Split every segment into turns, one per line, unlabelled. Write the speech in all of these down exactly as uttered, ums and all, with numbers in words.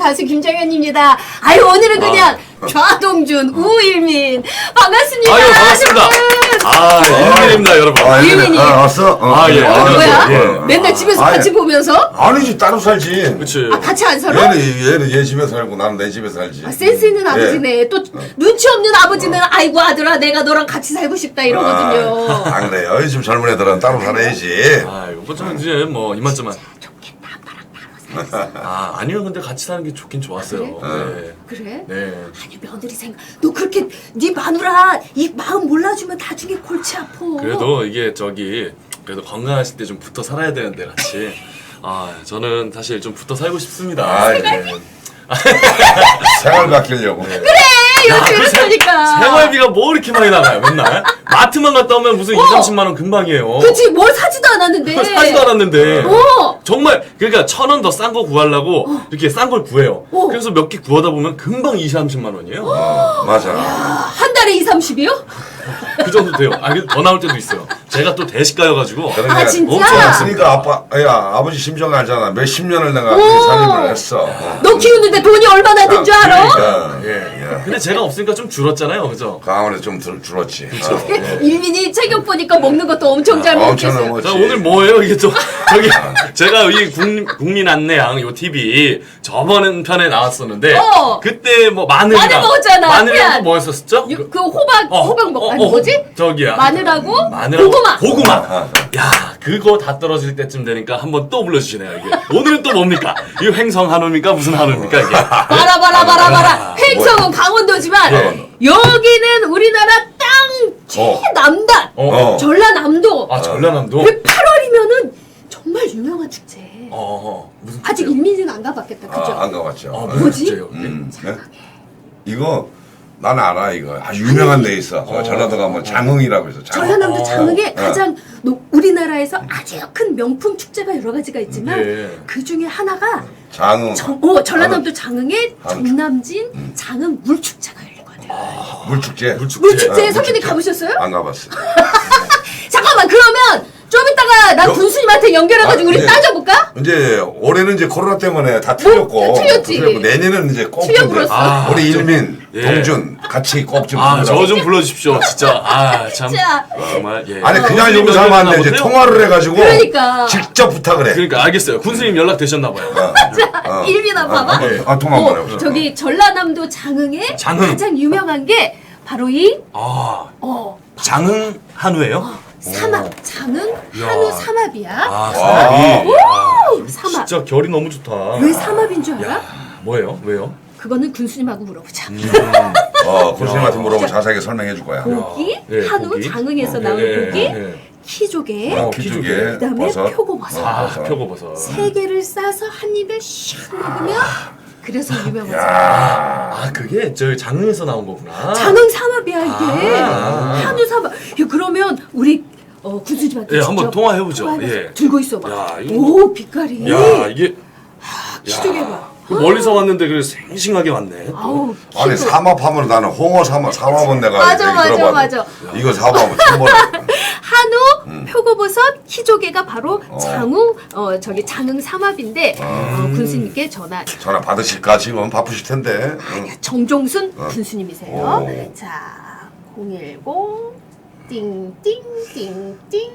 가수 김정현입니다. 아유 오늘은 그냥 아. 좌동준, 어. 우일민 반갑습니다.
아유 반갑습니다. 아 일민입니다 여러분.
아,
일민이.
아, 왔어? 어.
아 예.
어, 뭐야?
예.
맨날 집에서
아니,
같이 보면서?
아니지 따로 살지.
그렇지.
아 같이 안 살아?
얘는 얘는 얘 집에 살고 나는 내 집에 살지.
아, 센스 있는 아버지네.
예.
또 눈치 없는 아버지는 아이고 아들아 내가 너랑 같이 살고 싶다 이러거든요.
아, 안 그래요. 요즘 젊은 애들은 따로 살아야지.
아 이거 좀 이제 뭐 이만저만.
좋겠다 아빠랑 따로 살았어.
아 아니요 근데 같이 사는 게 좋긴 좋았어요. 네.
그래?
네.
아니 며느리 생각 너 그렇게 네 마누라 이 마음 몰라주면 나중에 골치 아파.
그래도 이게 저기 그래도 건강하실 때 좀 붙어 살아야 되는데 같이. 아 저는 사실 좀 붙어 살고 싶습니다.
아,
네.
생활 바뀌려고.
그래 요즘
그 세-
이러니까.
생활비가 뭐 이렇게 많이 나가요 맨날? 마트만 갔다 오면 무슨
어.
이삼십만 원 금방이에요.
그치 뭘 사지도 않았는데.
사지도 않았는데.
어.
정말 그러니까 천 원 더 싼 거 구하려고 이렇게 싼 걸 구해요.
어.
그래서 몇 개 구하다 보면 금방 이삼십만 원이에요.
어, 맞아.
한 달에 이삼십이요?
그 정도 돼요. 아, 더 나올 때도 있어요. 제가 또 대식가여가지고.
그러니까
아, 진짜?
엄청
그러니까 아빠, 야 아버지 심정 알잖아. 몇십 년을 내가
오.
그 살림을 했어. 어.
너 키우는데 돈이 얼마나 든 줄 알아?
그러니까,
예.
예.
근데 제가 없으니까 좀 줄었잖아요, 그죠?
그 아무래도 좀 들, 줄었지. 어.
일민이 체격 보니까 먹는 것도 엄청 잘
아, 엄청
먹겠어요.
넘었지.
자, 오늘 뭐예요? 이게 또, 저기, 제가 이 국, 국민 안내양, 요 티비, 저번 편에 나왔었는데,
어.
그때 뭐 마늘이랑.
마늘 먹었잖아.
마늘이랑
그냥.
또 뭐였었죠?
유- 그 호박
어,
호박 먹
어,
아니
어,
뭐지?
저기야.
마늘하고
마늘하고
고구마.
고구마.
아,
야, 그거 다 떨어질 때쯤 되니까 한번 또 불러주시네요, 이게. 오늘은 또 뭡니까? 이거 횡성 한우입니까? 무슨 한우입니까, 이게?
봐라 봐라 봐라 봐라.
아,
횡성은 강원도지만
예.
여기는 우리나라 땅 최남단
어.
전라남도.
아, 전라남도?
그 팔월이면은 정말 유명한 축제.
어, 어. 무슨
아직
축제요?
일민이는 안 가봤겠다. 그죠?
아, 안 가봤죠.
아,
어.
무슨
뭐지?
축제예요, 이게?
음, 네? 이거 난 알아 이거 아주 유명한 데 있어. 어, 전라도 가면 장흥이라고 해서 장흥.
전라남도
어.
장흥에
어.
가장 노- 우리나라에서 아주 큰 명품 축제가 여러 가지가 있지만
예.
그 중에 하나가
장흥.
정, 어, 전라남도 장흥의
한우.
정남진 장흥 물축제가 열리거든.
물축제.
물축제.
물축제에
어,
선배님
물축제.
가보셨어요?
안 가봤어.
잠깐만 그러면 좀 이따가 나
여-
군수님한테 연결해가지고
아,
우리
네.
따져볼까?
이제 올해는 이제 코로나 때문에 다 틀렸고.
다 틀렸지.
틀렸고 내년은 이제 꼭
틀려
이제
불었어.
아,
우리
좀-
일민,
예.
동준 같이 꼭 좀.
아, 저 좀 불러주십시오, 진짜. 아, 참.
진짜.
정말, 예.
아니 그냥
군수님
여기서 하면 안 돼. 이제
연락되셨나
통화를 해가지고.
그러니까.
직접 부탁을 해.
그러니까, 알겠어요. 군수님 연락되셨나봐요.
어.
일민아 봐봐.
아, 아, 통화 한번
어,
해보자.
저기 전라남도 장흥에
장흥.
가장 유명한 게 바로 이
아,
어,
장흥 한우예요?
삼합 장흥 한우 삼합이야.
아,
와.
삼합이. 아,
삼합.
진짜 결이 너무 좋다.
왜 삼합인 줄 알아?
야, 뭐예요? 왜요?
그거는 군수님하고 물어보자.
어, 군수님한테 물어보면 자세하게 설명해 줄 거야.
고기,
예,
한우,
고기.
장흥에서
어,
나온
예,
고기,
예.
키조개,
어,
키조개.
키조개,
그다음에
버섯.
표고버섯.
아,
버섯.
표고버섯.
세 개를 싸서 한 입에 슉 먹으면 그래서 유명하지.
아, 그게 저 장흥에서 나온 거구나.
장흥 삼합이야 이게.
아.
한우 삼합. 야, 그러면 우리 어, 군수님한테
예,
직접
한번 통화해보죠.
통화해보자.
예.
들고 있어봐.
야, 이거
오 빛깔이.
야, 이게
키조개 봐.
그 멀리서 왔는데 그래 생싱하게 왔네.
아우
아니
키조.
삼합하면 나는 홍어 삼합 삼합은 내가
맞아,
얘기
맞아,
들어봤는데
맞아.
이거 삼합은 처음 보네.
한우, 표고버섯, 키조개가 바로 장흥 어 저기 장흥 삼합인데 어, 군수님께 전화.
전화 받으실까 지금 바쁘실 텐데. 응.
정종순 군수님이세요.
오.
자, 공일공 띵띵띵띵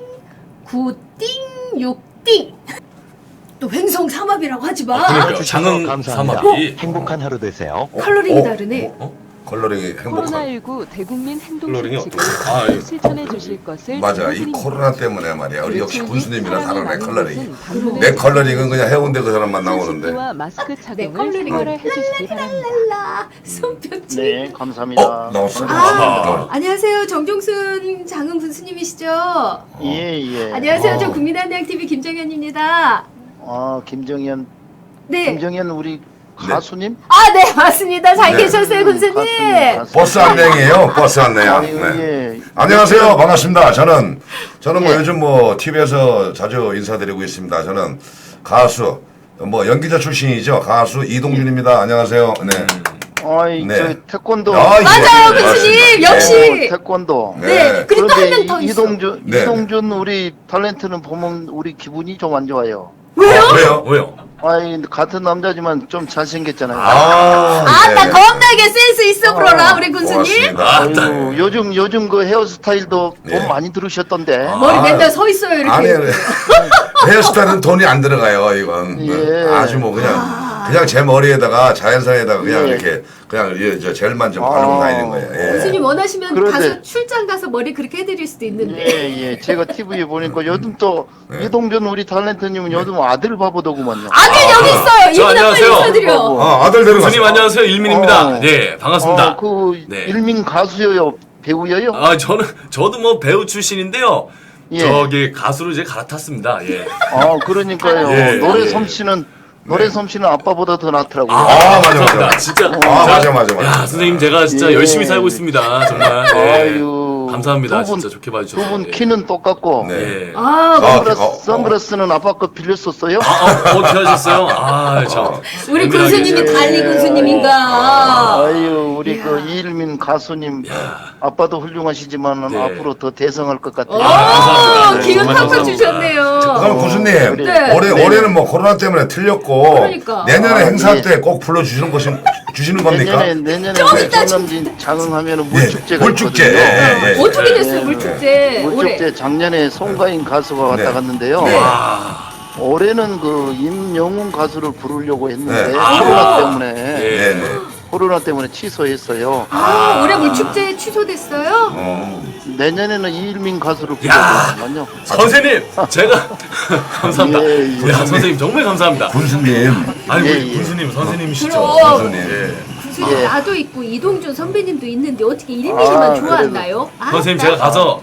구띵육띵. 또 횡성 삼합이라고 하지 마.
그러니까.
주셔서
장흥
감사합니다.
삼합이.
행복한 하루 되세요.
컬러링이
어?
다르네.
어?
컬러링이 행복한.
코로나십구 대국민
컬러링이
행동수칙을
어떻게- 아, 예.
실천해 주실 것을
맞아 이
당부드립니다.
코로나 때문에 말이야 우리 역시
그리고
군수님이랑
사람이
다르네
많은
컬러링이.
곳은 방문을
내 컬러링은 그냥 해운대 그 사람만 나오는데.
손씻기와 마스크 착용을
컬러링은
생활을 해주시기 바랍니다.
랄라 손뼉치.
네, 감사합니다.
어 나왔어.
아,
아,
안녕하세요. 정종순 장흥 군수님이시죠?
예, 예.
안녕하세요.
어.
저 국민한대학 티비 김정현입니다.
아, 김정현,
네.
김정현 우리 가수님?
아, 네, 맞습니다. 잘
네.
계셨어요, 군수님.
가수님, 가수님.
버스 안내이에요. 버스 안내야.
아니,
네.
예.
안녕하세요. 반갑습니다. 저는 저는 뭐 요즘 뭐 티비에서 자주 인사드리고 있습니다. 저는 가수 뭐 연기자 출신이죠. 가수 이동준입니다. 안녕하세요. 네.
아이,
네.
저 태권도.
아, 예.
맞아요,
네,
군수님.
맞습니다.
역시.
네.
어, 태권도.
네.
네.
그리고 또 한 명
그런데
더
이-
있어.
이동준,
네.
이동준 우리 탤런트는 보면 우리 기분이 좀 안 좋아요.
왜요?
어, 왜요?
왜요?
아이 같은 남자지만 좀 잘생겼잖아요.
아,
아나
예.
겁나게 센스 있어 보러라
어,
우리 군수님.
고맙습니다.
아유, 요즘 요즘 그 헤어스타일도
예.
돈 많이 들으셨던데.
머리
아,
맨날 서 있어요 이렇게.
아니, 헤어스타일은 돈이 안 들어가요, 이건.
예.
아주 뭐 그냥 그냥 제 머리에다가 자연산에다가 그냥
예.
이렇게 그냥 예, 저 젤만 좀
아.
바르고 다니는 거예요. 예.
군수님 원하시면
그런데-
가서 출장 가서 머리 그렇게 해드릴 수도 있는데.
예, 예. 제가 티비에 보니까 요즘 또
네.
이동준 우리 탤런트님은 요즘 아들 바보더구만요.
아들 여기 있어요.
저
이분아 빨리
안녕하세요.
인사드려.
어, 아들 데려갔어.
교수님 안녕하세요. 일민입니다.
어.
네, 반갑습니다.
어, 그
네.
일민 가수요, 배우여요?
아, 저는 저도 뭐 배우 출신인데요.
예.
저기 가수로 이제 갈아탔습니다. 예.
아, 그러니까요.
예,
노래
예.
솜씨는 노래 솜씨는 아빠보다 더 낫더라고요.
아,
아, 맞아,
감사합니다.
맞아.
진짜.
아, 맞아, 맞아, 맞아.
야, 선생님 제가 진짜
예.
열심히 살고 있습니다. 정말. 예.
아유.
감사합니다.
두 분-
진짜 좋게 봐주셔서.
두 분
예.
키는 똑같고.
네.
예.
아,
아,
선글라스,
어, 어.
선글라스는 아빠 거 빌렸었어요?
아, 어, 어떻게 하셨어요? 아, 참.
우리
예민하게
군수님이
이제-
달리 군수님인가.
아유, 우리 그 이일민 가수님 아빠도 훌륭하시지만
네.
앞으로 더 대성할 것 같아요.
오,
감사합니다. 네,
기운
정말
팍팍
감사합니다.
주셨네요.
그럼 교수님
네.
올해
네.
올해는 뭐 코로나 때문에 틀렸고
그러니까.
내년에
아,
행사
예.
때 꼭 불러 주시는 것이 주시는 겁니까?
내년에 내년에
좀 이따
성남진 장흥하면은
예,
물축제가
물축제.
있거든요.
예, 예, 예.
어떻게 됐어요
네.
물축제 올해?
물축제 작년에 송가인 가수가 왔다
네.
갔는데요.
네.
와.
올해는 그 임영웅 가수를 부르려고 했는데
네.
코로나
아.
때문에
예.
네, 네.
코로나 때문에 취소했어요.
아, 올해 물축제 취소됐어요?
어.
내년에는 이일민 가수를
야.
부르거든요.
선생님, 제가 감사합니다.
예, 예.
야, 선생님 정말 감사합니다.
군수님,
아니,
예,
우리
예.
군수님 선생님이시죠.
그럼.
군수님.
예.
군수님
예.
나도 있고 이동준 선배님도 있는데 어떻게 일민이만
아,
좋아한다요? 아,
선생님 제가 가서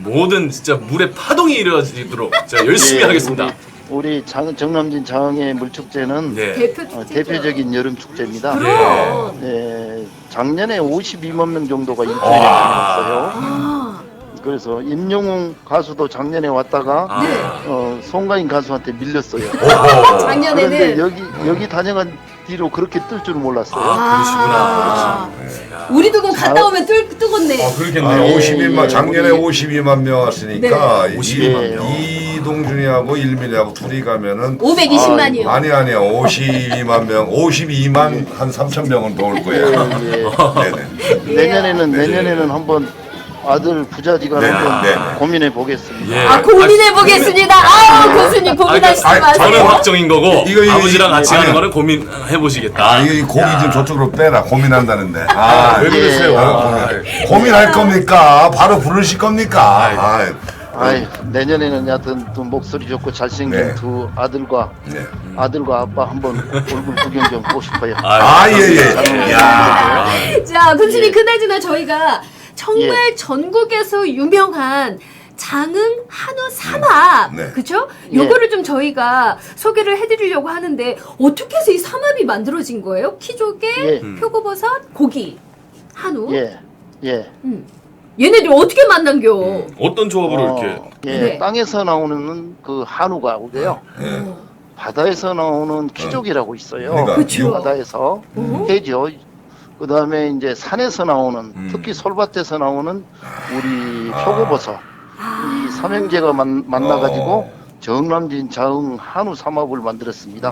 모든 진짜 물의 파동이 일어지도록 제가 열심히
예,
하겠습니다.
우리, 우리 장, 정남진 장흥의 물축제는
네.
대표
어,
축제죠.
대표적인 여름 축제입니다.
그럼.
네, 작년에 오십이만 명 정도가 일주일에
와.
다녔어요.
아,
그래서 임영웅 가수도 작년에 왔다가
아.
네.
어, 송가인 가수한테 밀렸어요.
오호.
그런데
작년에는
여기 여기 다녀간 뒤로 그렇게 뜰 줄 몰랐어요.
아, 그러시구나.
아, 우리도 그럼 갔다 오면 뜨, 뜨겁네.
아, 그렇겠네요.
아,
예,
오십이만
예,
작년에
우리-
오십이만 명 왔으니까
네. 오십이만 명.
이동준이하고 일민이하고 둘이 가면은
오백이십만이요.
아니 아니요 오십이만 명, 오십이만 한 삼천 명은 더 올 거예요.
예,
네네.
예. 내년에는
네.
내년에는 한번 아들 부자지간
네,
한번
네, 네.
고민해 보겠습니다.
예.
아, 고민해 보겠습니다. 아우, 교수님 고민하시지
아니,
마세요.
저는 확정인 거고
이거, 이거,
아버지랑 같이
아니,
하는 거는 고민해 보시겠다.
아 이거 이 고기 좀 저쪽으로 빼라 고민한다는데. 아,
왜 그러세요?
아,
아,
고민할 겁니까? 바로 부르실 겁니까? 아,
아이, 내년에는 여하튼 또 목소리 좋고 잘생긴
네.
두 아들과
네.
아들과 아빠 한번 얼굴 구경 좀 하고 싶어요.
아, 예, 예. 야.
자, 군수님
예.
그나저나 저희가 정말 전국에서 유명한 장흥 한우 삼합,
네.
그쵸?
예.
요거를 좀 저희가 소개를 해드리려고 하는데 어떻게 해서 이 삼합이 만들어진 거예요? 키조개,
예.
표고버섯, 고기, 한우.
예, 예.
음. 얘네들 어떻게 만난겨?
어떤 조합으로
어,
이렇게
예,
네.
땅에서 나오는 그 한우가 오고요.
예.
바다에서 나오는 키조개라고 있어요.
그러니까
그쵸.
바다에서
어?
해죠. 그 다음에 이제 산에서 나오는,
음.
특히 솔밭에서 나오는 우리
아.
표고버섯. 이 삼형제가 만, 만나가지고
어.
정남진 자흥 한우 삼합을 만들었습니다.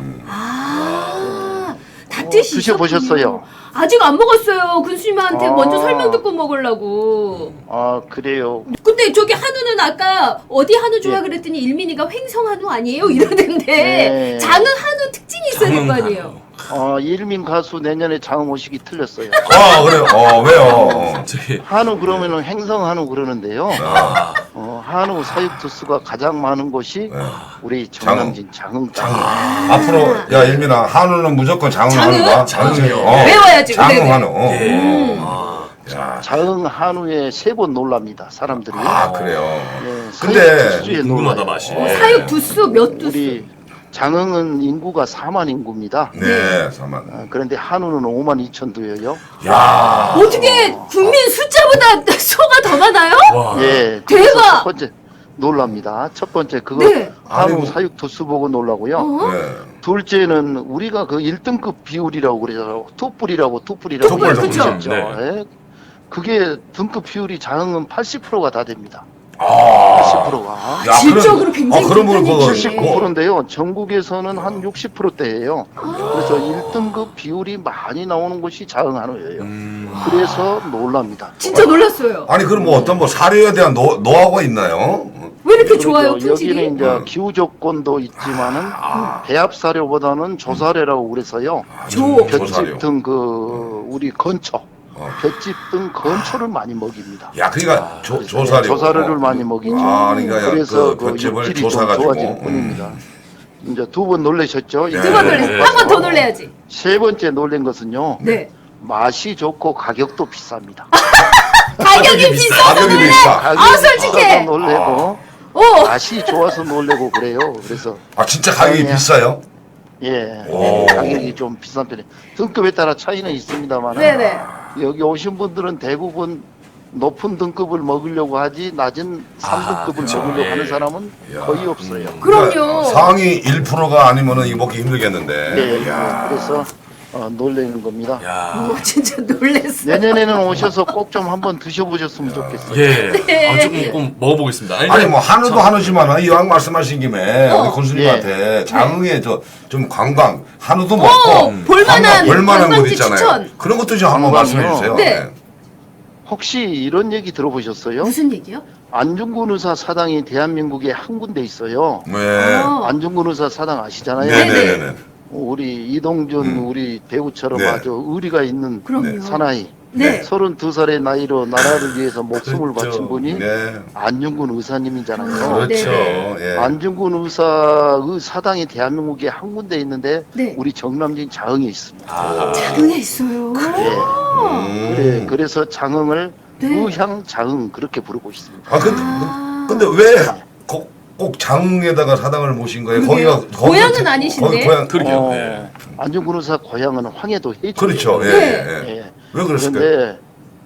아, 다
어,
뜻이
드셔보셨어요?
있었군요. 아직 안 먹었어요. 군수님한테
아.
먼저 설명 듣고 먹으려고.
아, 그래요.
근데 저기 한우는 아까 어디 한우 좋아
예.
그랬더니 일민이가 횡성 한우 아니에요? 이러던데
네.
장흥 한우 특징이 있어야 될 거
장흥
아니에요?
아, 일민 가수 내년에 장흥 오시기 틀렸어요.
아 그래요. 어 왜요? 어.
저기
한우 그러면은 행성 한우 그러는데요.
아,
어, 한우 사육 두수가 가장 많은 곳이
네.
우리 정남진 장흥 땅.
앞으로 야 일민아 한우는 무조건 장흥
장흥?
한우가
장흥이요.
어.
외워야지,
장흥
네네.
한우. 어.
예. 아,
야.
장흥 한우에 세 번 놀랍니다. 사람들이.
아 그래요.
예,
근데
사육 두수에
궁금하다
놀라요.
맛이.
어, 사육 두수 몇 두수?
우리 장흥은 인구가 사만 인구입니다.
네, 사만.
어, 그런데 한우는 오만 이천 두예요.
야.
어떻게 국민 숫자보다 소가 더 많아요?
와.
예.
대박!
그래서 첫 번째 놀랍니다. 첫 번째 그거
네.
한우
아이고.
사육 두수 보고 놀라고요.
어?
네.
둘째는 우리가 그 일 등급 비율이라고 그래서 투뿔이라고 투뿔이라고
투뿔,
그쵸.
그러셨죠.
네.
예. 그게 등급 비율이 장흥은 팔십 퍼센트가 다 됩니다.
아.
팔십 퍼센트가.
야,
질적으로
그럼-
굉장히
아, 그러면
괜찮은
그거
얘기네.
칠십구 퍼센트인데요. 전국에서는 한 육십 퍼센트대예요. 그래서 일 등급 비율이 많이 나오는 곳이 자흥 한우예요.
음.
그래서 놀랍니다.
진짜 놀랐어요.
아니 그럼 뭐 어떤 뭐 사료에 대한 노, 노하우가 있나요?
왜 이렇게
그리고
좋아요,
여기는
품질이?
이제
음.
기후 조건도 있지만은 배합 사료보다는 조사료라고 그래서요.
조.
조사료.
볏짚 등 그 우리 건초,
어.
볏짚 등 건초를 많이 먹입니다.
야 그러니까 조, 조사료.
조사료를 많이 먹이죠.
아 그러니까
그래서
그
그
볏짚을
육질이 좀
조사가지고.
좋아질 뿐입니다. 이제 두 번 놀라셨죠?
네.
두 번 놀래.
네.
한 번 더 놀래야지.
세 번째 놀란 것은요.
네.
맛이 좋고 가격도 비쌉니다.
가격이 비싸서
가격이
놀래.
비싸.
가격이
아, 솔직해.
비싸서 놀래고
오.
맛이 좋아서 놀래고 그래요. 그래서
아 진짜 가격이
아니야.
비싸요?
예,
오.
가격이 좀 비싼 편이에요. 등급에 따라 차이는 있습니다만
네네.
여기 오신 분들은 대부분 높은 등급을 먹으려고 하지 낮은 삼 등급을
그쵸.
먹으려고
예.
하는 사람은
야.
거의 없어요.
그럼요.
상위 일 퍼센트가 아니면은 이거 먹기 힘들겠는데.
네,
야.
그래서 어, 놀라는 겁니다.
야.
오, 진짜 놀랬어.
내년에는 오셔서 꼭 좀 한번 드셔보셨으면 좋겠어요.
예.
네.
아, 조금 꼭 먹어보겠습니다. 아니,
아니 뭐 한우도 한우지만 이왕 말씀하신 김에
어.
우리 군수님한테 장흥에 저 좀 관광 한우도
어,
먹고
볼만한
관광 볼만한 곳
관광지
있잖아요.
추천.
그런 것도 좀 한번
관광이요?
말씀해 주세요.
네.
혹시 이런 얘기 들어보셨어요?
무슨 얘기요?
안중근 의사 사당이 대한민국에 한 군데 있어요.
네.
어.
안중근 의사 사당 아시잖아요.
네네네.
우리 이동준
음.
우리 배우처럼
네.
아주 의리가 있는
그럼요.
사나이.
네.
서른두 살의 나이로 나라를 위해서 목숨을
그렇죠.
바친 분이
네.
안중근 의사님이잖아요.
그렇죠.
네.
예.
안중근 의사의 사당이 대한민국에 한 군데 있는데
네.
우리 정남진 자흥에 있습니다.
아.
장흥에 있어요.
예.
음.
그래, 그래서 장흥을
네.
의향 자흥 그렇게 부르고 있습니다.
아 근데
아.
근데 왜 꼭 꼭 장흥에다가 사당을 모신 거예요?
그러게요.
거기가 거기가
고향은
제-
아니신데?
거기 고향
그러게요.
어,
네.
안중근 의사 고향은 황해도 해주.
그렇죠. 예.
네.
예. 예.
예.
왜 그랬을까요?
그런데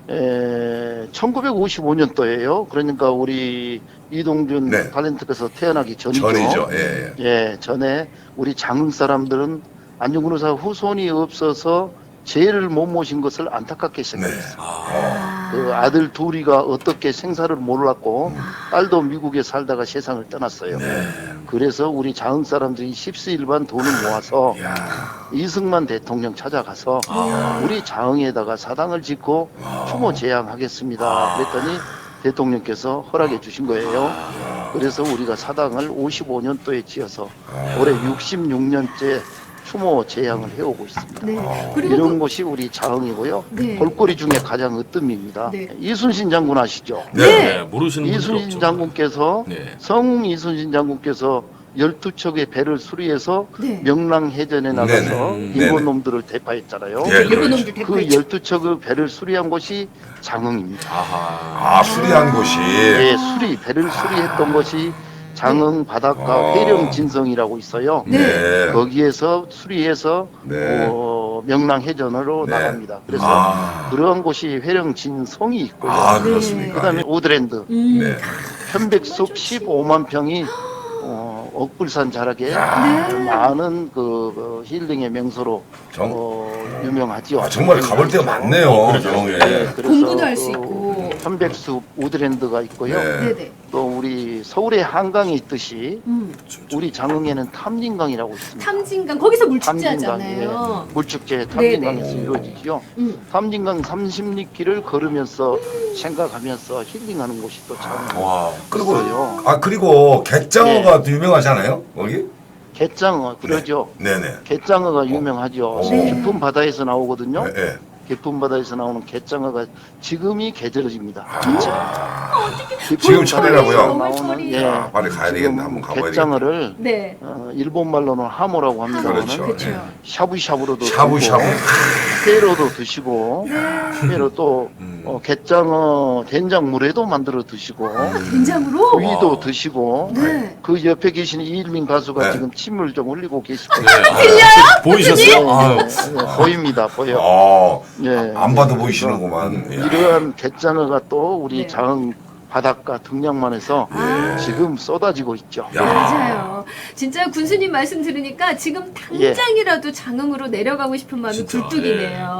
에, 천구백오십오 년도예요. 그러니까 우리 이동준
네.
탤런트께서 태어나기 전이죠.
전이죠. 예. 예.
예, 전에 우리 장흥 사람들은 안중근 의사 후손이 없어서 제를 못 모신 것을 안타깝게
네.
생각했어요.
아.
그 아들 둘이가 어떻게 생사를 몰랐고 딸도 미국에 살다가 세상을 떠났어요.
네.
그래서 우리 장흥 사람들이 십시일반 돈을 모아서
야.
이승만 대통령 찾아가서 우리 장흥에다가 사당을 짓고 추모 제양하겠습니다. 그랬더니 대통령께서 허락해 주신 거예요. 그래서 우리가 사당을 오십오 년도에 지어서 올해 육십육 년째 추모 제양을 해오고 있습니다.
네. 그리고
이런
그,
곳이 우리 자흥이고요.
네.
볼거리 중에 가장 으뜸입니다.
네.
이순신 장군 아시죠?
네.
네. 모르시는 분들
이순신
없죠.
장군께서
네.
성 이순신 장군께서 열두 척의 배를 수리해서
네.
명랑해전에 나가서
네네.
일본
네네.
놈들을 대파했잖아요.
예,
일본
그렇죠.
놈들
그
대파했죠.
열두 척의 배를 수리한 곳이 장흥입니다.
아하.
아 수리한 곳이.
예, 수리 배를 수리했던 곳이 장흥 바닷가
어.
회령진성이라고 있어요.
네.
거기에서 수리해서
네.
어, 명랑해전으로
네.
나갑니다. 그래서
아.
그러한 곳이 회령진성이 있고요.
아
네.
그렇습니까?
그다음에 우드랜드
음.
네.
편백숲 십오만 평이 어, 억불산 자락에
네.
많은 그, 그 힐링의 명소로
정-
어, 유명하지요.
아, 정말 가볼 데가 많네요. 정에.
네, 그래서
공부도 할 수
그
있고.
편백숲 우드랜드가 있고요.
네.
네네.
또 우리 서울의 한강이 있듯이
음.
우리 장흥에는 탐진강이라고 있습니다.
탐진강 거기서 물축제
탐진강,
하잖아요.
예. 물축제 탐진강에서
네네.
이루어지죠.
음.
탐진강 삼십 리길을 걸으면서 생각하면서 힐링하는 곳이 또 장흥.
와.
그리고
있어요.
아 그리고 갯장어가
네.
또 유명하잖아요. 거기.
갯장어 그러죠.
네네.
갯장어가 유명하죠.
네.
깊은 바다에서 나오거든요.
네. 네.
깊은 바다에서 나오는 갯장어가 지금이 계절입니다.
지금 철이라고요?
너무 철이.
예.
아, 빨리 가야 되겠네.
지금
한번 가봐야
갯장어를
네.
어, 일본 말로는 하모라고 합니다.
그렇죠.
그렇죠.
예.
샤브샤브로도
샤브샤브.
드시고, 회로도 드시고 회로 또
음.
어, 갯장어 된장물에도 만들어 드시고
된장으로.
구이도 드시고
네.
그 옆에 계신 이일민 가수가
네.
지금 침을 좀 흘리고 계실 거예요.
들려요? 보이셨어요? 아유.
네, 보입니다, 보여.
어.
예.
안 봐도 보이시는구만. 예.
이러한 갯장어가 또 우리
네.
장흥 바닷가 등량만에서
아.
지금 쏟아지고 있죠.
야.
맞아요. 진짜 군수님 말씀 들으니까 지금 당장이라도 장흥으로 내려가고 싶은 마음이
진짜,
굴뚝이네요.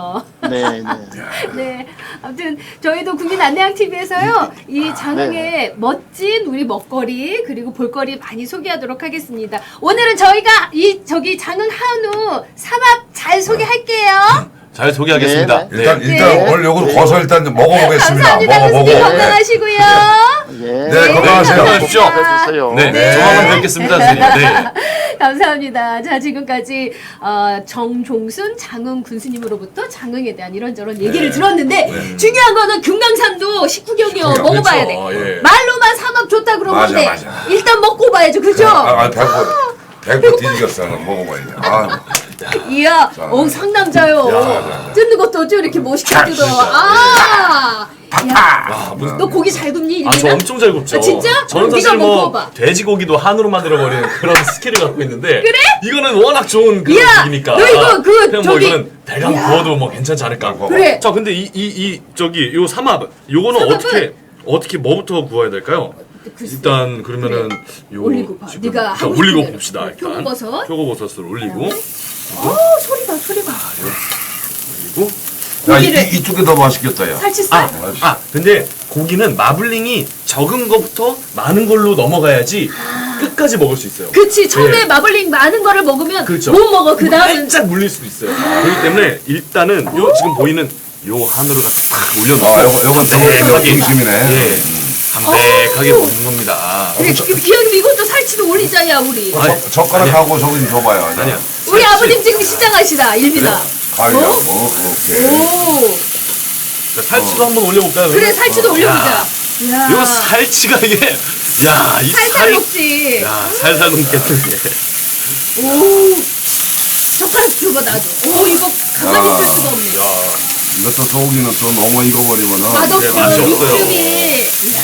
네, 네.
네. 아무튼 저희도 국민 안내양 티비에서요. 이 장흥의
네.
멋진 우리 먹거리 그리고 볼거리 많이 소개하도록 하겠습니다. 오늘은 저희가 이 저기 장흥 한우 삼합 잘 소개할게요.
잘 소개하겠습니다.
네, 네.
일단
네.
일단
네.
오늘 요거
네.
거서 일단 먹어보겠습니다.
감사합니다.
먹어보고.
교수님 건강하시고요.
예.
네, 건강하세요.
건강하십시오.
건강하세요.
네,
네.
조만간 뵙겠습니다, 선생님. 네.
감사합니다. 자, 지금까지 어, 정종순 장흥 군수님으로부터 장흥에 대한 이런저런 얘기를 들었는데 중요한 거는 금강산도 식후경이요.
식후경,
먹어봐야 돼.
그렇죠. 예.
말로만 삼합 좋다 그러면
맞아,
돼.
맞아.
일단 먹고 봐야죠. 그죠?
아, 아 배고 배고 뒤지겠어. 먹어봐야 돼. 아,
이야,
자,
어, 상남자요.
야, 야, 야.
뜯는 것도 어쩜 이렇게 멋있게
자,
뜯어.
진짜.
아! 야,
와, 무슨
너 고기 잘 굽니?
아, 저
이름이나?
엄청 잘 굽죠.
아, 진짜?
저는
네가
사실
한번
뭐
구워봐.
돼지고기도 한우로 만들어버리는 그런 스킬을 갖고 있는데
그래?
이거는 워낙 좋은 그런
야,
고기니까
너 이거 그
그냥
저기-
뭐 이거는 대강
야.
구워도 뭐 괜찮지 않을까.
그래.
자, 근데 이 이 이 저기 요 삼합 요거는
삼합은-
어떻게 어떻게 뭐부터 구워야 될까요?
글쎄.
일단 그러면은 요
올리고 봐.
지금
네가
자,
하고
올리고
싶은
봅시다.
대로.
일단
표고버섯.
표고버섯을 올리고
어, 소리 봐, 소리 봐.
그리고
야, 이,
고기를-
이- 이쪽이 더 맛있겠다, 야.
살치살?
아, 아, 근데 고기는 마블링이 적은 것부터 많은 걸로 넘어가야지 끝까지 먹을 수 있어요.
그치, 처음에
네.
마블링 많은 거를 먹으면
그렇죠.
못 먹어. 그 다음은
살짝 물릴 수도 있어요. 그렇기 때문에 일단은 요 지금 보이는 요 한우를 탁 올려놓고
아, 요거 요거 좀
담백하게
중심이네.
예, 담백하게 먹는 겁니다.
그래, 그, 기왕이면 이것도 살치도 올리자야, 우리.
아니,
젓- 젓가락하고 저거 좀 줘봐요.
아니야.
우리
살치.
아버님 지금 시장하시다, 일비다.
가위야.
어?
뭐, 오케이.
오,
자, 살치도 한번 올려볼까요?
그래,
그러면?
살치도
어.
올려보자.
야,
이야,
요 살치가 이게 야, 이
살살
살
먹지.
야, 살살 굶겠는데.
오, 젓가락 줘봐, 나도. 오, 이거 가만히
야.
있을 수가 없네.
야, 이것도 소고기는 또 너무 익어버리면은.
맛없어,
네, 맛이 없어요.
육즙이. 이야,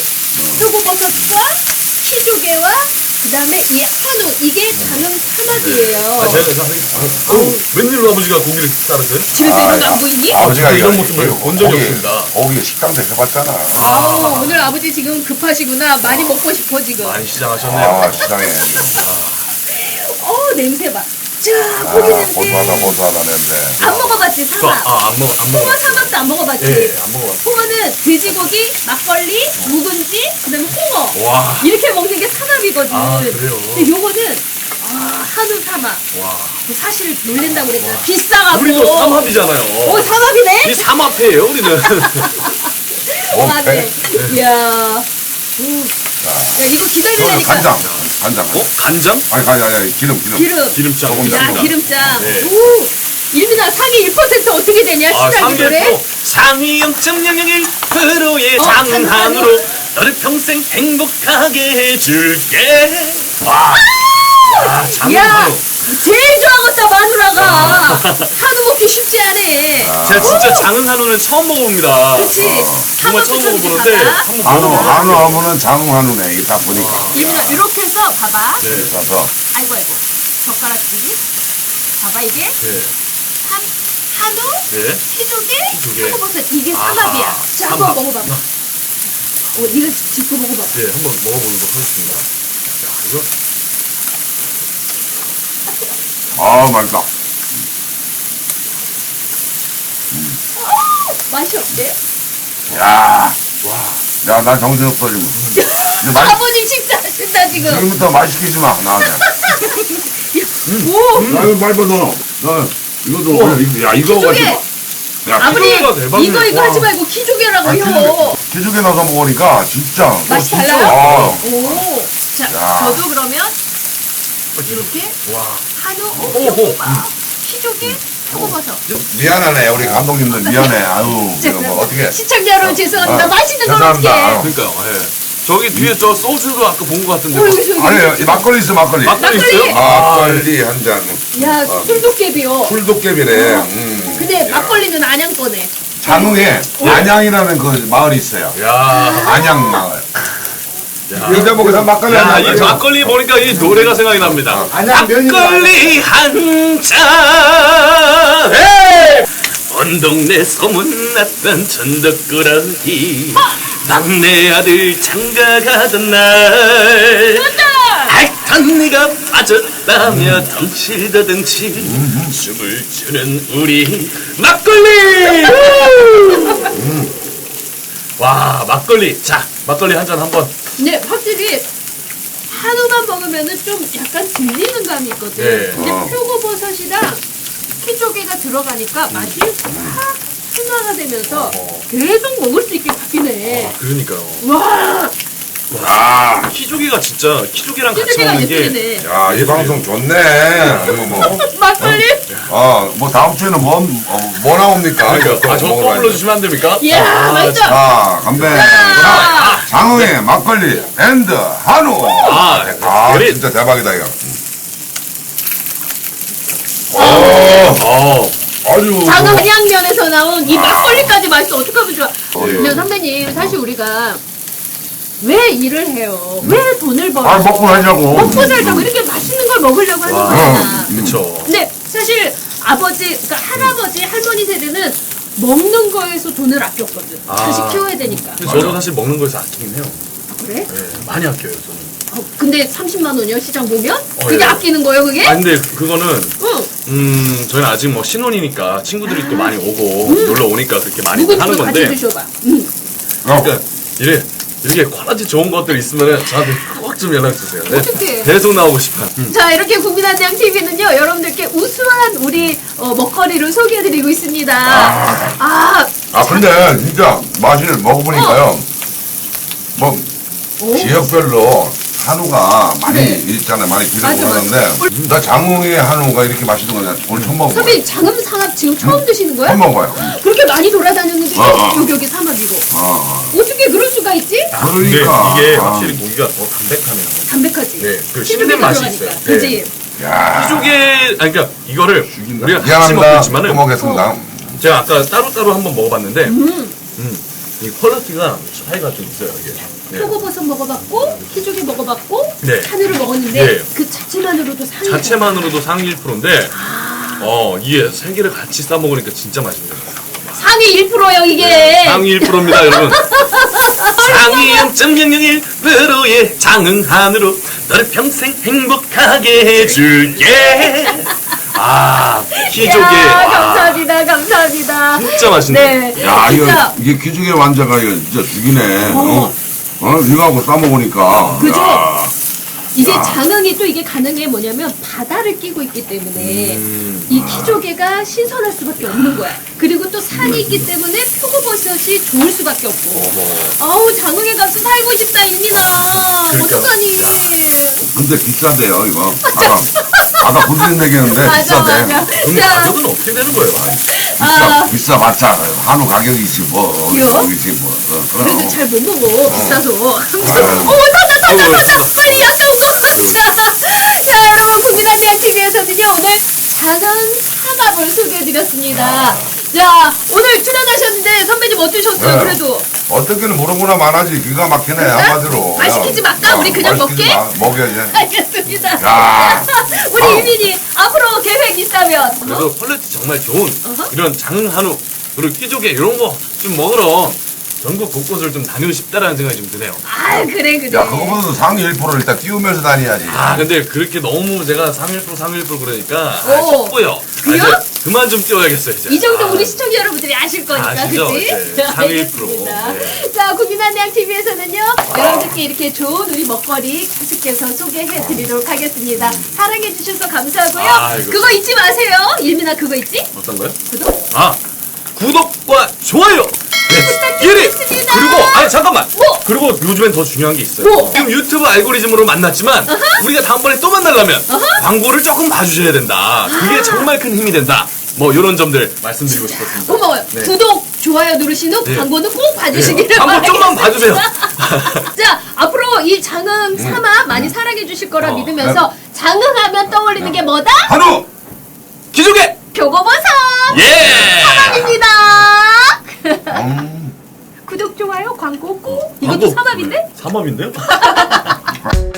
표고버섯과 키조개와 그 다음에 이 한우, 이게 장흥 삼합이에요.
아, 제가 저 어, 웬일로 아버지가 고기를 자르세요?
집에서 이런 거 안 보이니?
아버지가
이런
이거-
모습을
이거
본 적이
거기-
없습니다.
거기 식당도 해봤잖아.
아, 오늘 아버지 지금 급하시구나. 많이 먹고 싶어, 지금.
많이 시장하셨네요.
아, 시장에.
어, 냄새 봐. 자,
아,
고기 냄새.
고소하다, 고소하다, 냄새.
안 먹어봤지,
저,
삼합.
아, 안 먹, 안
홍어
먹어.
삼합도 안 먹어봤지.
예, 안 먹어봤어.
홍어는 돼지고기, 막걸리, 묵은지, 그다음에 홍어.
와.
이렇게 먹는 게 삼합이거든.
아, 그래요?
근데 요거는 아, 한우 삼합.
와.
사실 놀랜다고 그랬잖아. 비싸가고.
우리도 삼합이잖아요.
오, 삼합이네?
이 삼합회예요, 우리는.
어,
맞네.
배?
이야. 오. 야, 이거
어,
기다리려니까.
간장. 간장.
어? 간장?
아니, 간장, 아니, 기름, 기름.
기름.
기름장.
조금
야,
있습니다.
기름장.
네.
오. 일민아, 상위 일 퍼센트 어떻게 되냐?
아,
시장이 노래?
삼 상위 영 점 영영일 프로의
어,
장한으로 너를 평생 행복하게 해줄게. 와. 야,
야,
장한으로.
제일 좋아하겠다, 마누라가. 한우 먹기 쉽지 않아.
제가 진짜 장흥 한우는 처음 먹어봅니다.
그치?
정말 처음 먹어보는데 한번
한우,
먹어보고
한우 하면은 장흥 한우네. 이게 딱 보니까.
일민아, 이렇게 해서 봐봐.
네.
그래서.
아이고, 아이고. 젓가락질이. 봐봐, 이게.
네.
삼, 한우,
네.
키조개,
키조개.
표고버섯. 이게
아하,
삼합이야. 자, 한번
삼합.
먹어봐봐. 어, 네가 짚고 먹어봐봐.
네, 한번 먹어보도록 하겠습니다. 자, 이거.
아, 맛있다.
맛이 어때?
야,
와.
야, 난 정신없어, 지금. 이제 맛,
아버님 식사하신다, 지금.
지금부터 말 시키지 마, 나한테.
오!
야, 이거 말봐, 너. 너, 이거도, 그냥 이거- 야, 이거
키조개.
가지고. 야,
아버님,
키조개가 대박이네.
이거, 이거
와.
하지 말고 키조개라고
아,
요
기죽에, 기죽에 넣어서 먹으니까, 진짜.
맛이
어, 진짜.
달라요?
아,
오. 자,
야.
저도 그러면 이렇게
와.
한우,
오,
표고밥, 키조개, 표고버섯.
미안하네, 우리 감독님들 미안해. 아유, 이거 뭐 어떻게.
시청자 여러분 죄송합니다.
아,
맛있는 걸
죄송합니다.
어떻게
그러니까요. 예. 저기 뒤에 저 소주도 아까 본 것 같은데.
어, 여기, 여기.
아니, 막걸리 있어, 막걸리.
막걸리
막걸리.
있어요? 아,
막걸리 한 잔.
야, 술도깨비요.
풀도깨비네. 음.
근데 막걸리는 안양 거네.
장흥에 안양이라는 그 마을이 있어요.
야.
안양 마을.
야.
여자 보고서 막걸리
야,
한
이
잔.
막걸리 보니까 이 노래가 생각이 납니다.
안양 면이
막걸리 한 잔. 에이! 온 동네 소문났던 천덕꾸러기 막내 아들 장가 가던 날
맞다!
핥던 한니가 빠졌다며 덩실더덩실 춤을 추는 우리 막걸리. 와 막걸리. 자 막걸리 한 잔 한번.
네, 확실히 한우만 먹으면은 좀 약간 들리는 감이 있거든.
네.
근데
어.
표고버섯이랑 키조개가 들어가니까 맛이 확 순화가 되면서
어.
계속 먹을 수 있게 바뀌네.
그러니까요.
와,
아,
키조개가 진짜 키조개랑 같이
키조개가
먹는 게
예쁘네.
야, 이 방송 좋네. 이거 뭐,
막걸리?
어, 뭐 다음 주에는 뭐, 어, 뭐 나옵니까?
그러니까 아, 저거 또
먹어봐야지.
불러주시면 안 됩니까?
이야,
아,
맛있죠?
자, 건배. 자, 장흥의 막걸리 앤드 한우.
아,
아,
그래.
진짜 대박이다 이거. 오,
어.
아주.
장흥 한양면에서 나온 이 막걸리까지 맛있어. 어떡하면 좋아.
어,
근데 선배님, 사실 우리가 왜 일을 해요? 왜 돈을 벌어요?
아, 먹고 살자고.
먹고 살자고 이렇게 맛있는 걸 먹으려고 하는 거잖아.
음.
그쵸.
근데 사실 아버지, 그러니까 할아버지, 할머니 세대는 먹는 거에서 돈을 아꼈거든.
아.
자식 키워야 되니까.
근데 저도 사실 먹는 거에서 아끼긴 해요.
그래?
네, 많이 아껴요 저는.
어, 근데 삼십만 원이요? 시장 보면?
어,
그게
예.
아끼는 거예요, 그게?
아 근데 그거는
응.
음 저희는 아직 뭐 신혼이니까 친구들이 또 많이 오고 놀러 오니까 그렇게 많이
누구
하는
누구 같이
건데.
드셔봐. 응.
어,
그러니까 이래 이렇게 퀄리티 좋은 것들 있으면은 저한테 꼭 좀 연락 주세요. 네.
어떡해.
계속 나오고 싶어요. 음.
자, 이렇게 국민한양 티비는요, 여러분들께 우수한 우리 어, 먹거리를 소개해드리고 있습니다. 아,
아, 근데 진짜 맛을 먹어보니까요. 뭐,
오.
지역별로 한우가 많이
네.
있잖아요. 많이 기르고
맞아, 맞아.
하는데, 나 장흥의 한우가 이렇게 맛있는 거냐. 오늘 처음 먹어봐요.
선배님, 장음 상합 지금 처음 드시는 거예요?
처음 먹어봐요.
그렇게 많이 돌아다녔는데
어, 어.
여기 여기 삼합이고
아,
어떻게 그럴 수가 있지?
근데
그러니까.
이게
아.
확실히 고기가 더 담백하네요.
담백하지.
네, 그
키조개가
씹는 맛이
들어가니까.
있어요.
그지?
야.
키조개 아니 그러니까 이거를 우리가 같이
미안합니다.
먹고
또
있지만은
먹겠습니다.
제가 아까 따로따로 한번 먹어봤는데
음.
음, 이 퀄리티가 차이가 좀 있어요 이게. 네.
표고버섯 먹어봤고 키조개 먹어봤고
네.
한우를 먹었는데
네.
그 자체만으로도 상이
자체만으로도 상위 일 퍼센트인데 어 이게 세 개를 같이 싸 먹으니까 진짜 맛있네요.
상위 일 퍼센트요 이게.
상위 일 퍼센트입니다 여러분. 상위 영 점 영영일 퍼센트의 장흥한으로 너를 평생 행복하게 해줄게. 아 키조개.
야,
와,
감사합니다, 감사합니다.
진짜 맛있네.
네,
야,
진짜
이거, 이게 기중의 완자가 이거 진짜 죽이네.
어.
어, 어 이거하고 싸먹으니까.
그죠?
야.
이제
야.
장흥이 또 이게 가능한 게 뭐냐면 바다를 끼고 있기 때문에
음.
이 키조개가 신선할 수밖에 없는 거야. 그리고 또 산이 있기 때문에 표고버섯이 좋을 수밖에 없고. 아우 장흥에 가서 살고 싶다 인민아.
그러니까.
어떡하니?
근데 비싸대요, 이거. 아까, 아까 부드러운 얘기했는데
맞아
비싸대.
맞아.
그럼
자,
가격은 어떻게 되는 거예요?
비싸,
아.
비싸봤자 한우 가격이지 뭐.
그래요?
거기지 뭐. 어, 그럼.
근데 잘 못 먹어 비싸서.
아유.
어머 터져 터져 터져 빨리 약간 자, 자 여러분 국민한양 티비에서는요 오늘 장흥 삼합을 소개해드렸습니다. 자 오늘 출연하셨는데 선배님 어떠셨어요?
네.
그래도
어떻게는 모르구나 말하지. 기가 막히네, 한마디로.
말 시키지
야,
말까?
어,
우리 그냥
말 시키지
먹게?
마. 먹여야지.
알겠습니다.
야.
우리
아우.
유민이 앞으로 계획 있다면
그래도 퀄리티 정말 좋은
어허.
이런 장흥 한우 그리고 키조개 이런 거 좀 먹으러 전국 곳곳을 좀 다니고 싶다라는 생각이 좀 드네요.
아 그래 그래.
야, 그거보다도 상위 일 퍼센트 일단 띄우면서 다녀야지.
아 근데 그렇게 너무 제가 상위 일 퍼센트 상위 일 퍼센트 그러니까 아,
오.
속보여.
그래요?
아, 이제 그만 좀 띄워야겠어요 이제.
이 정도
아,
우리 시청자 여러분들이 아실 거니까,
아시죠?
그치?
네, 상위 일 퍼센트.
알겠습니다.
네.
자, 국민한양 티비에서는요, 여러분들께 이렇게 좋은 우리 먹거리 계속해서 소개해 드리도록 하겠습니다. 사랑해 주셔서 감사하고요.
아이고.
그거 잊지 마세요. 일민아, 그거 있지?
어떤 거요?
구독.
아 구독과 좋아요. 네. 일 위
부탁드리겠습니다.
그리고 아니 잠깐만.
뭐?
그리고 요즘엔 더 중요한 게 있어요.
뭐?
지금 유튜브 알고리즘으로 만났지만 우리가 다음번에 또 만나려면 광고를 조금 봐주셔야 된다. 그게 정말 큰 힘이 된다. 뭐 이런 점들 말씀드리고 싶었습니다.
고마워요.
네.
구독, 좋아요 누르신 후
네.
광고는 꼭 봐주시기를
네. 광고 좀만 봐주세요.
자, 앞으로 이 장흥 삼합 많이 사랑해 주실 거라
어.
믿으면서 장흥하면 떠올리는 게 뭐다?
한우!
기조개
표고버섯!
예.
삼합입니다.
음.
구독, 좋아요, 광고 꼭. 이것도
광고.
삼합인데?
삼합인데요?